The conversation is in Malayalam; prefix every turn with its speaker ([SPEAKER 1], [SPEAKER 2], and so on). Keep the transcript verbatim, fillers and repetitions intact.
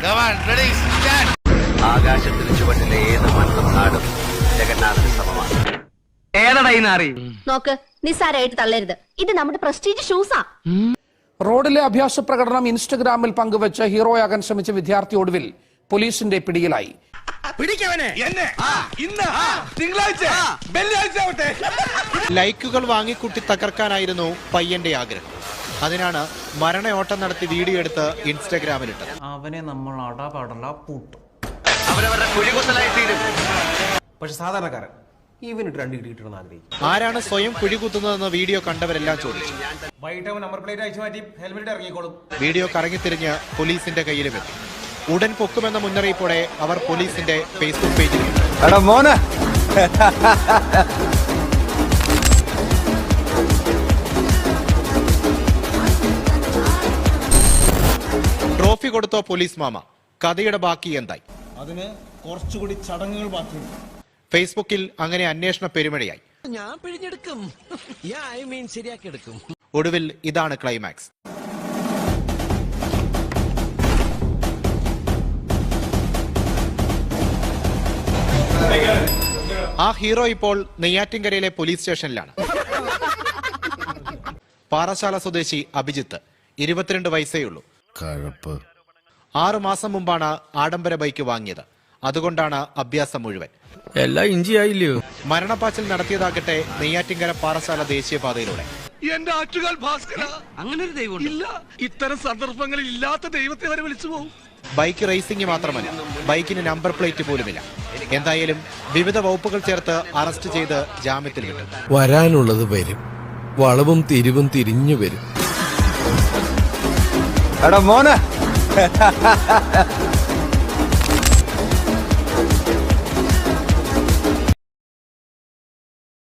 [SPEAKER 1] ആകാശത്തിന് ചുവട്ടിലെ ഏത് മണ്ണും നാടും ജഗന്നാഥന് സമമാണ്. ഏതടൈനാറി
[SPEAKER 2] നോക്ക്, നിസ്സാരമായിട്ട് തള്ളരുത്. ഇത് നമ്മുടെ പ്രസ്റ്റീജ് ഷൂസാ.
[SPEAKER 3] റോഡിലെ അഭ്യാസ പ്രകടനം ഇൻസ്റ്റഗ്രാമിൽ പങ്കുവച്ച് ഹീറോയാകാൻ ശ്രമിച്ച വിദ്യാർത്ഥി ഒടുവിൽ പോലീസിന്റെ പിടിയിലായി.
[SPEAKER 4] ലൈക്കുകൾ വാങ്ങിക്കൂട്ടി തകർക്കാനായിരുന്നു പയ്യന്റെ ആഗ്രഹം. അതിനാണ് മരണയോട്ടം നടത്തി വീഡിയോ എടുത്ത് ഇൻസ്റ്റഗ്രാമിലിട്ടത്.
[SPEAKER 5] അവനെ നമ്മൾ അടപടല പൂട്ടും.
[SPEAKER 1] അവരവരുടെ കുഴികുത്തലായി തീരും.
[SPEAKER 5] പക്ഷെ സാധാരണക്കാരൻ ഇവനിട്ട് രണ്ട് കിട്ടിയിട്ടെന്ന് ആഗ്രഹിക്കും.
[SPEAKER 4] ആരാണ് സ്വയം കുഴികുത്തുന്നതെന്ന് വീഡിയോ കണ്ടവരെല്ലാം ചോദിച്ചു.
[SPEAKER 5] വൈകിട്ട് അവൻ നമ്പർ പ്ലേറ്റ് അയച്ചു മാറ്റി ഹെൽമെറ്റ് ഇറങ്ങിക്കോളും.
[SPEAKER 4] വീഡിയോ കറങ്ങിത്തിരിഞ്ഞ് പോലീസിന്റെ കയ്യിലുമെത്തി. ഉടൻ പൊക്കുമെന്ന മുന്നറിയിപ്പോടെ അവർ പോലീസിന്റെ ഫേസ്ബുക്ക് പേജിൽ ട്രോഫി കൊടുത്തോ പോലീസ് മാമ? കഥയുടെ ബാക്കി എന്തായി?
[SPEAKER 6] അതിന് കുറച്ചുകൂടി ചടങ്ങുകൾ ബാക്കിയുണ്ട്.
[SPEAKER 4] ഫേസ്ബുക്കിൽ അങ്ങനെ അന്വേഷണ പെരുമഴയായി.
[SPEAKER 7] ഞാൻ പിഴിഞ്ഞെടുക്കും, ശരിയാക്കിയെടുക്കും.
[SPEAKER 4] ഒടുവിൽ ഇതാണ് ക്ലൈമാക്സ്. ആ ഹീറോ ഇപ്പോൾ നെയ്യാറ്റിൻകരയിലെ പോലീസ് സ്റ്റേഷനിലാണ്. പാറശാല സ്വദേശി അഭിജിത്ത്, ഇരുപത്തിരണ്ട് വയസ്സേയുള്ളൂ. ആറു മാസം മുമ്പാണ് ആഡംബര ബൈക്ക് വാങ്ങിയത്. അതുകൊണ്ടാണ് അഭ്യാസം മുഴുവൻ.
[SPEAKER 7] എല്ലാം ഇഞ്ചിയായില്ലയോ?
[SPEAKER 4] മരണപ്പാച്ചിൽ നടത്തിയതാകട്ടെ നെയ്യാറ്റിൻകര പാറശാല ദേശീയപാതയിലൂടെ.
[SPEAKER 8] എന്റെ ആറ്റുകാൽ ഭാസ്കര,
[SPEAKER 1] അങ്ങനെ ഒരു ദൈവം
[SPEAKER 8] ഇല്ല. ഇത്തരം സന്ദർഭങ്ങളിൽ ഇല്ലാത്ത ദൈവത്തെ വരെ വിളിച്ചു പോകും.
[SPEAKER 4] ബൈക്ക് റേസിംഗ് മാത്രമല്ല, ബൈക്കിന് നമ്പർ പ്ലേറ്റ് പോലുമില്ല. എന്തായാലും വിവിധ വകുപ്പുകൾ ചേർത്ത് അറസ്റ്റ് ചെയ്ത് ജാമ്യത്തിൽ വിട്ടു.
[SPEAKER 9] വരാനുള്ളത് വരും, വളവും തിരിവും തിരിഞ്ഞു വരും.
[SPEAKER 6] എടാ മോനെ